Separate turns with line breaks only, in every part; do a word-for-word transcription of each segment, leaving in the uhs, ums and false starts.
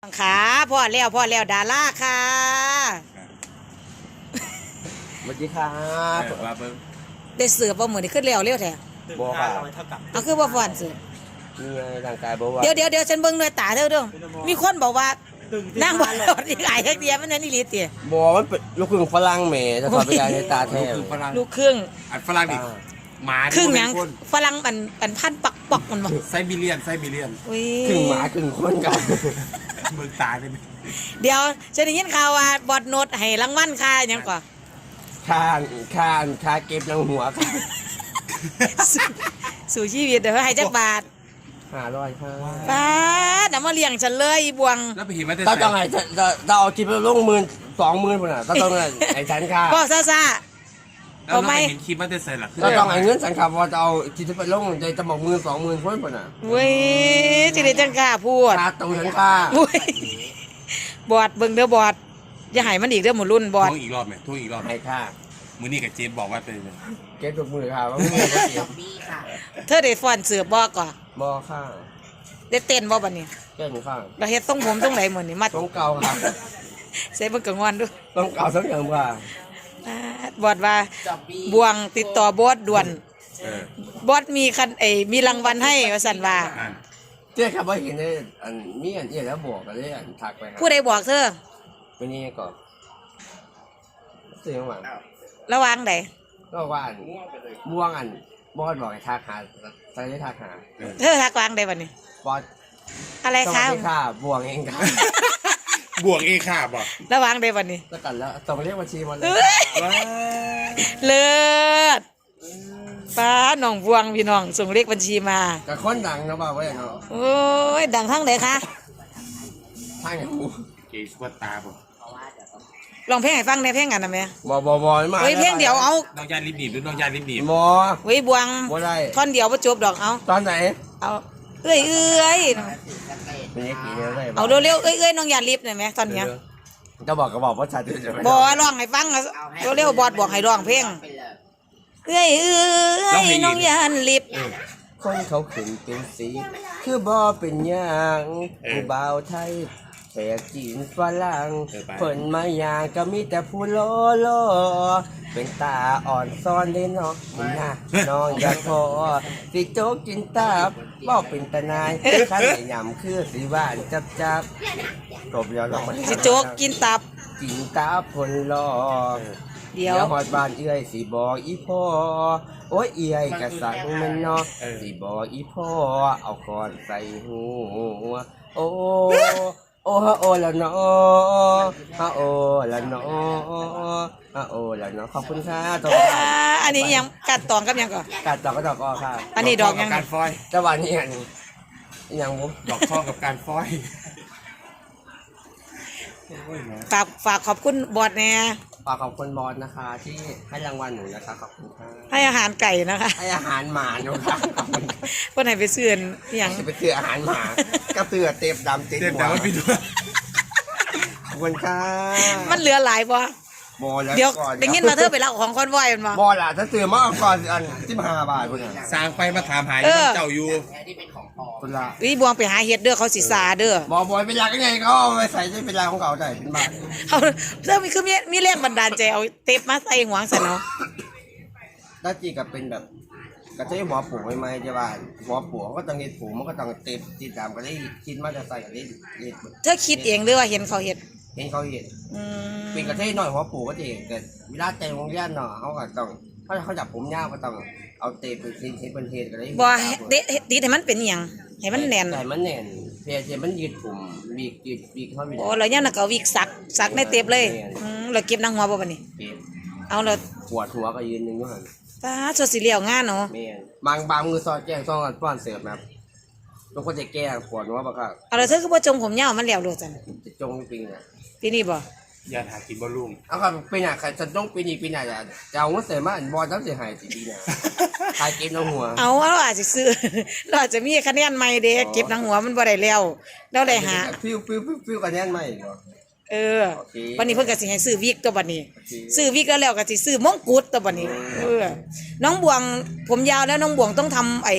ขาพ่อแล้วพ่อแล้วดาราค่ะ
สวัสดีครับว่าเบิ่ง
ได้เสือบ่มื้อนี้ขึ้นแล้วเร็วแท้
บ่ค่ะ
เอาคือบ่ฟ้อนเสือ
นี่ไงร่างกายบ่ว่า
เดี๋ยวเดี๋ยวเดี๋ยวฉันเบิ่งด้วยตาเด้อเด้อมีคนบอกว่านั่งบ่รอดอีกหลายเดียวมันนั่นอีหลีติ
บ่มันเป็นลูกครึ่งฝรั่งแหม่จะสอนไปยายในตาแท้
ลูกครึ่ง
อันฝรั่งดิหมา
ครึ่งหยังฝรั่งมันมันพันปักปักมันบ่
ไซบีเรียนไซบีเรียน
ครึ่งหมาครึ่งคนกัน
เบิ่งตาได้มั้ย
เดี๋ยวฉันได้ยินข่าวว่าบอดโนดให้รางวัลค่าหยังก่อ
ค่าค่าค่าเก็บนางหัวค่ะ
สู่ชีวิตเด้อให้จักบาท
ห้าร้อยค่ะ
ป้าน่ะมาเลี้ยงฉันเลยอีบวง
แล้วไปเห็นว่า
จะต้องให้จะจะเอาคิดลงหมื่น สองหมื่นพุ่นน่ะต้องให้ฉันค่ะ
พ่อซ่า
ๆเอาไม่เห็นคลิปมันจะใส่ล่ะ
ก็ต้องให้เงินฉันค่ะว่าจะเอาคิดไปลงจะจะบอกหมื่น สองหมื่นพุ่นพุ่นน่ะ
เว้ยสิได้จังกล้าพูด
ค่าตู้ฉันค่ะ
อุ้ยบอดเบิ่งเด้อบอดอย่าให้มันอีกเด้อหมู่รุ่นบอด
ทุ่งอีกรอบมั้ยทุ่งอีกรอบ
ให้ค่ะ
มื้อนี้กับเจมบอกว่าเป็น
เก็บทุกมื้อค่ะว่ามื้อบ่เก็บ
เธอได้ฟ้อนเสือบ่ก่อ
บ่ค่ะ
ได้เต้นบ่บัดนี้
เต้นค่ะ
เราเฮ็ดทรงผมทรงไหนมื้อนี้มา
ทรงเก่าค่ะ
ใส่เบิ่งกะงอนดู
ทรงเก่าทรงเดิมค่ะ
บอดว่าบวงติดต่อบอสด่วนบอสมีคันไอ้มีรางวัลให้ว่าซั่นว่า
เจ้าครับว่าเห็นได้อันมีอันเอียแล้วบอกกันเลยอันทักไปครับ
ผู้ใดบอกเธอ
เป็นนี่ก่อนเสียงหวัง
ระวังใด
ก็ว่าอันม่วงอันบอสบอกให้ทักหาใส่ได้ทักหา
เธอทักวางใดบัดนี้
บอส
อะไรคะ
สวัสดีค่ะบวงเองครับ
บวกเองค่ะบ่
ระวังใดบัดนี้
แล้วกันแล้วต้องเรียกบัญชีหมดเลย
เลิศป้าน้องบวงพี่น้องส่งเลขบัญชีมา
กับคนดังนะบ่าวไว้เนาะ
โอ้ยดังทั้งไหนคะ
ทางไหนกู
เกย์สวัสตาบ่
ลองเพลงให้ฟังได้เพลงกันนะแม่
บ่บ่บ่มา
เฮ้ยเพลงเดียวเอา
น้องยาลิบหนีบหรือน้องยาลิบหนีบ
บ่
เฮ้ยบวง
บ่ได้
ท่อนเดียวบ่จบดอกเอา
ตอนไหน
เอาเอ้ยเอ้ยเอาเร็วๆเอ้ยเอ้ยน้องอย่ารีบหน่อยไหมตอนนี้
จะบอกก็บอกว่าชัดจะไม่
บอกร้องให้ฟังเร็วๆบอดบอกให้ร้องเพลงเอ้ยเอ้ยน้องอย่ารีบ
คนเขาขึ้นเป็นสีคือบ่เป็นอย่างผู้บ่าวไทยแขกจีนฝรั่งเพิ่นมาอย่างก็มีแต่ผู้โลโลเป็นตาอ่อนซ้อนเลยเนาะนะน้องอย่าพอสิโจ๊กกินตับบ่เป็นตา นายคันยำคือสิหวานจับจับจบแล้วลองมา
สิโจ๊กกินตับ
กินตับผลลองเดี๋ยวหอดบ้านเอื้อยสิบอกอีพ่อโอ้ยเอื้อยกะสั่งมันเนาะสิบอกอีพ่อเอาก่อนใส่หูโอ้โอ้ฮะโอ้ละเนาะฮะโอ้ละเนาะฮะโอ้ละเนาะขอบคุณค่ะตัว
อันนี้ยังกัดตองกับยังก่อน
กัดตองก็ดอกอ้อค่ะ
อันนี้ดอกยัง
การฟอย
จังหวะนี้อันยังมุ
ดอกข้อกับการฟอย
ฝากฝากขอบคุณบอสเนี่ย
ฝากขอบคุณบอสนะคะที่ให้รางวัลหนูนะคะขอบคุณค่ะ
ให้อาหารไก่นะคะ
ให้อาหารหมาหนูค่ะ
เพื่อนไหนไปซื้อยัง
ไปซื้ออาหารหมาก็เตือเต็มดำติดหัวขอบคุณค่ะ
มันเหลือหลายบ่เดี๋ยวได้ยินมาเธอไปรับของคอนวอยมันมา
บอล่ะถ้าซื้อมาก่อนอันสิบห้าบาทพุ่นน่ะ
สร้างไปมาถามหาเจ้าอยู่
พุ่นละ
วิบวงไปหาเฮ็ดเด้อเขาสิซาเด้อ
บ่บ่เป็นหลักยังไงเขาเอาไปใส่ได้เป็นหลักของเขาได้เป็นบาท
เขาเรื่องมีคือมีมีแรงบันดาลใจเอาเทปมาใส่หัวซะเนาะ
ถ้าจีก็เป็นแบบก็ใช้หัวปูใหม่ๆใช่ป่ะหัวปูก็ต้องเฮ็ดปูมันก็ต้องเต็มติดตามก็ได้คิดมาจะใส่ก็ได้เฮ็ด
เธอคิดเองหรือว่าเห็นเขาเฮ็ด
เห็นเขาเห็นเป็นกระเทยหน่อยหัวปูก็จะเห็นแต่เวลาแต่งโรงเรียนเนาะเขาก็ต้องถ้าเขาจับผมยาวก็ต้องเอาเตะเป็นเส้นเป็นเทนก็ได้
บ่เด็ดติดให้มันเป็นอย่างให้มันแน่น
ให้มันแน่นเพียงมันยืดผมบีกยืดบีกเขาไม่ได้
โอ้แล้วเนี่ยน่ะก็วิกสักสักในเต็บเลยอืมเราเก็บนางหัวบ่บัดนี้เอาเรา
ปวดหัวก็ยืนนึงอยู่หั่น
ป้าสดสิเลี้ยวงานเนาะ
แม่นบางบางมือซอดแก้งซองป้อนเสิร์ฟครับบางคนจะแก้ปวดหัวบ่ครับ
เอาแล้วเธอคือบ่จงผมยาวมันแล้วโลดจัง
จะจงจริงน่ะ
ปีนี้บ่
อย่าหากินบ่ลุง
เอาครับปีหน้าใครจะต้องปีนี้ปีหน้าจะจะเอาเงินเสริมมาบ่ต้องสิหายสิปีหน้าขายเก็บนางหัว
เอาเราอาจจะซื้อเราอาจจะมีคะแนนใหม่เด้เก็บนางหัวมันบ่ได้แล้วเราได้หา
ฟิวฟิวฟิวคะแนนใหม่บ่
เออวันนี้เพิ่นก็สิให้ซื้อวิกตัวบัดนี้ซื้อวิกแล้วแล้วก็สิซื้อมงกุฎตัวบัดนี้เออน้องบวงผมยาวแล้วน้องบวงต้องทำไอ้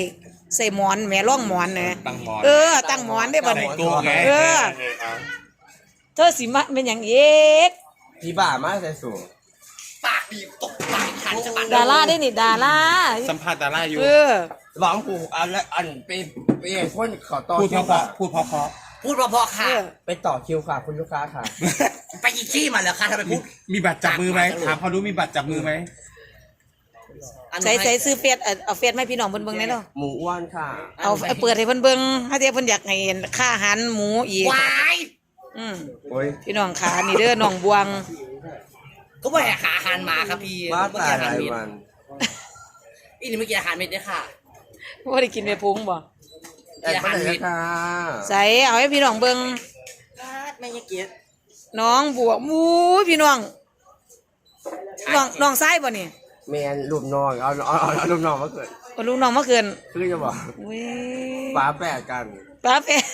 ใส่หมอนแหม่ร่องหมอนนะ
ตั้งหมอน
เออตั้งหมอนได้บ่
ใส่
นี่
โก้ไง
เออ
เออเอา
เธอสิมาเป็นหยังเอก
พี่บ้ามาใส่สูง
ปากดีตกปากขันจะมัน
ดาราได้นี่ดารา
สัมภาษณ์ดาราอยู่
เออ
หวังผูกอันและอันไปไปคนขอต่อ
พูด
คิว
เพราะ
ค่ะ
ๆพูดเพราะ
พูดเพอๆค่ะ
ไปต่อคิวค่ะคุณลูกค้าค่ะ
ไปอีกที่มาเหรอคะทำไมพูด
ๆมีบัตรจับมือไหมถามเขาดูมีบัตรจับมือไหม
อัน
ใส่
นี้
ใส่ซื้อเฟซเอาเอาเฟซมาให้พี่น้องเพิ่นเบิ่งได้เนาะ
หมูอ้วนค่ะ
เอาเอาเปิดให้เพิ่นเบิ่งถ้าเดี๋ยวเพิ่นอยากให้เห็นค่าอาหารหมูอีก
วาย
อืม
โอ้ย
พี่น้องขานี่เด้อน้องบวง
ก็ไม่ให้ขาอาหารหมาครับพี่
มา
เมื่อ
ตา
กี้
ย
อาหาร
ราย
เม็ด
วัน
อีนี่เมื่อกี้อาหารเม็ดเนี่ยค่ะ
บ่ได้กินไปพุงบ่
แต่ก็ได้ค่ะ
ใส่เอาให้พี่น้องเบิ่ง
ไม่ยเกียรติ
น้องบวกมู้ยพี่น้องน้องน้องซ้ายบ่นี่
แมนรูปน้องเอาเอาเอาเอารูปน้องมาเกิด
บ่ลูกน้องเมื่อคืน
คือจะบอก
อุ้ย
ฟ้าแปดกัน
ฟ้าแฝด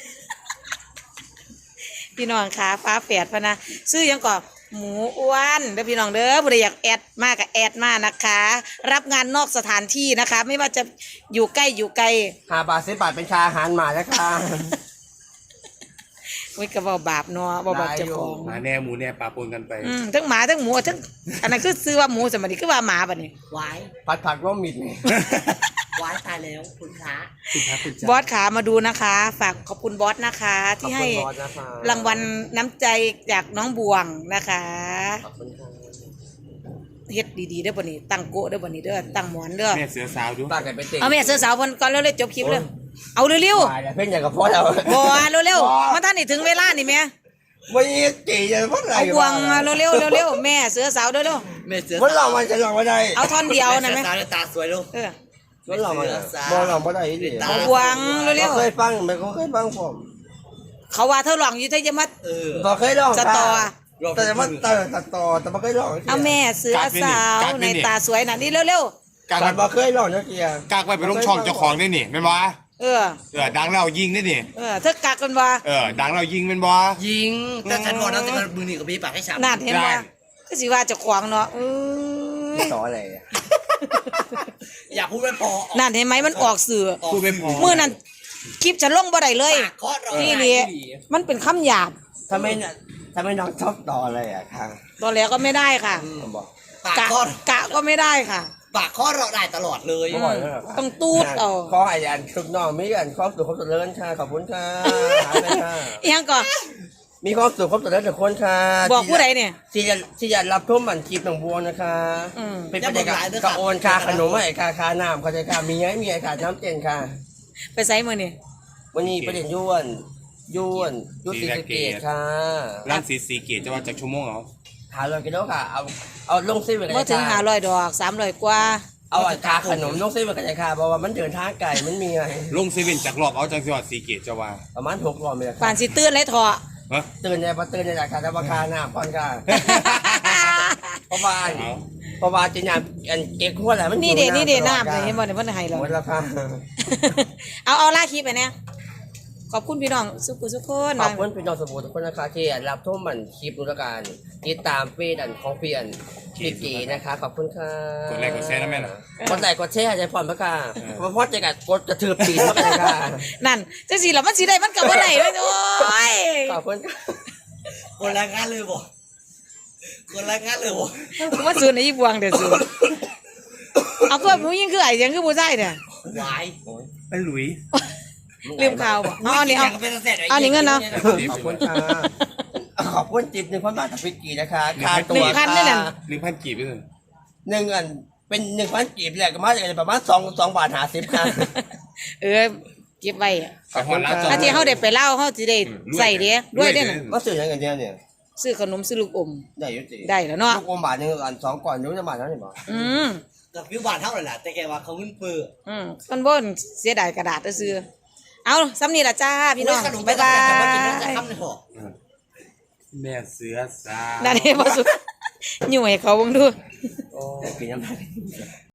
พี่น้องขาฟ้าแฝดพะนะซื้อหยังก่อนหมูอ้วนเด้อพี่น้องเด้อผู้ใดอยากแอดมากก็แอดมานะคะ รับงานนอกสถานที่นะคะ ไม่ว่าจะอยู่ใกล้อยู่ไกล
หาบาทสิบบาทเป็นชาอาหารหมาแล้วค่ะ
โอ้ยก็บ่บาปเนาะบ่บาปเจ้าของ
หมาแน่หมูแน่ปลาปนกันไป
อืมทั้งหมาทั้งหมูทั้งอันนั้นคือซื้อว่าหมูสมัยนี้คือว่าหมาบัดนี้
วาย
ผัดผักร่มมิดนี่
วายตายแล้วคุณพระ
คุณพระคุณ
บ
เจ้า
อสขามาดูนะคะ ฝากขอบคุณบอสนะคะ ที่ให้
ขอบคุณบอสนะคะ
รางวัลน้ำใจจากน้องบวงนะคะ
ขอบคุณค่ะ
เฮ็ดดีๆเด้อบ่นี้ตั้งโกะเด้อบ่นี้เด้อตั้งหมอนเด้อ
แม่เสือสาวดู
ตาไก่ไปเตะ
เอาแม่เสื้อสาวเพิ่นก่อนเร็วๆจบคลิปเด้อเอาเร็ว
ตายแล้วเพ่นอย่างกับพ่อเรา
ๆบ่เร็วๆมาท่านนี่ถึงเวลานี่แม่
วันนี้จีจะพ่ออะไร
เอาบวงเร็วๆเร็วๆแม่เสื้อสาวเด้อเร็ว
เมเสือ
มันหลอกมันจะหลอกไม่ได้
เอาท่อนเดียวนะ
แม่
แม่
สาวตาสวยลูก
เออ
มันหลอกมัน
เสือสาว
บอลหลอกไม่ได้ดิ
เอาบวงเร็ว
เคยฟังไหมเขาเคยฟังผม
ๆเขาว่าเธอหลองอยู่เธอจะมา
เออ
บอเคยลอง
สตอ
แต่จะมาเติร์สตอแต่บอเคยลอง
เอาแม่เสื้อสาวในตาสวยน่ะนี่เร็ว
กาก
แต่
ไป
บอเคยลองเมื่อกี้
กากไปไปลงช่องเจ้าของได้นี่เป็นบ่
ๆเออ
เออดังแล้วยิงได้นี่
เออเธอกักกันว่า
เออดังแล้วยิงเป็นบ่
ยิงแต่ฉันบอกนะแต่มือหนีกับพี่ปากให้ฉับ
นั่นเห็นว่าก็สิว่าเจะขวางเนาะเออ
ต่ออะไร
อย่าพูดไม่พอ
นั่นเห็นไหมมันออกสื่อ
พูดไม่พอ
มื้อนั้นคลิปฉันลงบ่ได้เลย
ปากเคาะเรา
นี่นี่มันเป็นคำหยาบ
ทำไมเนี่ยทำไมน้องชอบต่ออะไรอ่ะค่ะ
ตอนแล้วก็ไม่ได้ค่ะ
ผมบอก
ปาก
กะ
เคาะ
กะก็ไม่ได้ค่ะ
ปากเคาะเราได้ตลอดเลย
ไม่บ่อยเลยเหรอ
ต้องตูดเอา
ขอไอ้อันทุกน้องมีอันครอบสุขครบเจริญค่ะขอบคุณค่ะหายไปค่ะ
อีหยังก่อน
มีความสุขครบเจริญทุกคนค่ะ
บอกผู้ใดเนี่ย
ที่จะที่จะรับทุ่มบันคลิปหนองบัวนะคะ
อืม
เป็นประเด็นกับกระโอนค่าขนมให้ค่าค่าน้ำเข้าใจค่ะมีไงมีไงค่ะน้ำเจนค่ะ
ไปไสมื้อนี่
วันนี้ประเด็นย้วนย้วนยุติสะเกตค่ะ
ร้านสีสีเกตจะว่าจากชั่วโมงเหรอ
หาเลยกิโลค่ะเอาเอาลงเส้นไปกัน
บ่ถึง
ค่ะ
ห้าร้อยดอกสามร้อยกว่า
เอาอันค่าขนมลงเส้นไปกันค่ะเพราะว่ามันเดินทางไกลมันมีไง
ลงเซเว่นจากรอบเอาจากจังหวัดสีเกตจะว่า
ประมาณหกรอบเลย
ป่านสิตื่นเลยเถาะ
ฮะ
ตื่นในพอตื่นในราคาแต่ราคาหน้าก่อนค่ะ เพราะว่า
เอา
เพราะว่าจีนอันเก๊กหัวแหละมัน
นี่เด้นี่เด้
ตลอ
น้ำ
ค่ะ
เห็นบ่เนี่ยเพิ่นให้เรา
หมดแล้วค่ะ
เอาเอาล่าคลิปไปเนี่ยขอบคุณพี่น้องสุขุสุขคน
ขอบคุณพี่น้องสมุทรทุกคนนะคะที่รับชมมันคลิปนุรการติดตามเฟซอันของเพียนพี่กีนะคะ ขอบคุณค่ะ
กดไลค์กดแชร์นะแม่นะ
กดไลค์กดแชร์ใจผ่อนพระค่ะเพราะพ่อจะกัดกดกระถือปีนเข้าไปเลยค่ะ
นั่นจังสิล่ะมันสิได้มันก็บ่ได้เลยโอ้ย
ขอบคุณค่ะ
คนแรงงานเลยบ่คนแรงงานเลยบ่
กูว่าซื้อในอีบวงเด้อซื้อเอาก็ผู้หญิงคือไอ้ยังคือผู้ชายเนี่ยว
าย
ไปหลุย
ลืมข่าวบ่เอาอันนี้เอา
เป็นเสร็จ
เอานี่เงินเนาะ
ขอบคุณค่ะขอบคุณจิบหนึ่งพันบาทจากพี่กีนะคะค่าตั
หนึ่
ว
งพันนั่นน่ะ
หนึ่งพันกีบไปเลย
หนึ่งอันเป็นหนึ่งพันกีบแหละก็มาจากประมาณสองสองบาทหาสิบค่ะ
เออเก็บไว้อะ
ขอบคุณร้าน
ถ้าที่เฮาได้ไปเล่าเฮาสิได้ใส่เด้ด้วยเด้อน่ะ
ก็ซื้อยังกันเนี่ยเนี่ย
ซื้อขนมซื้อลูกอม
ได้อยุติ
ได้แล้วเนาะ
ลูกอมบาทหนึ่งอันสองก่อนนู้นจะบาทเท่าไหร่บ่
อืม
กับวิวบานเท่าไหร่ล่ะแต่แกว่าเขาเงินเปื้อ
อืมคนบ่นเสียดายกระดาษซื้อเอาซ้ำนี่ล่ะจ้าพี่น้องบ๊ายบา
แต่ว่ากินน่าจะ
ย
ค่ำเลยหรอ
แม่เสือสาว
นั่นเองบ่สุดอยู่ให้เขาเบิ่งดู
โอ้ปีน้ำลาย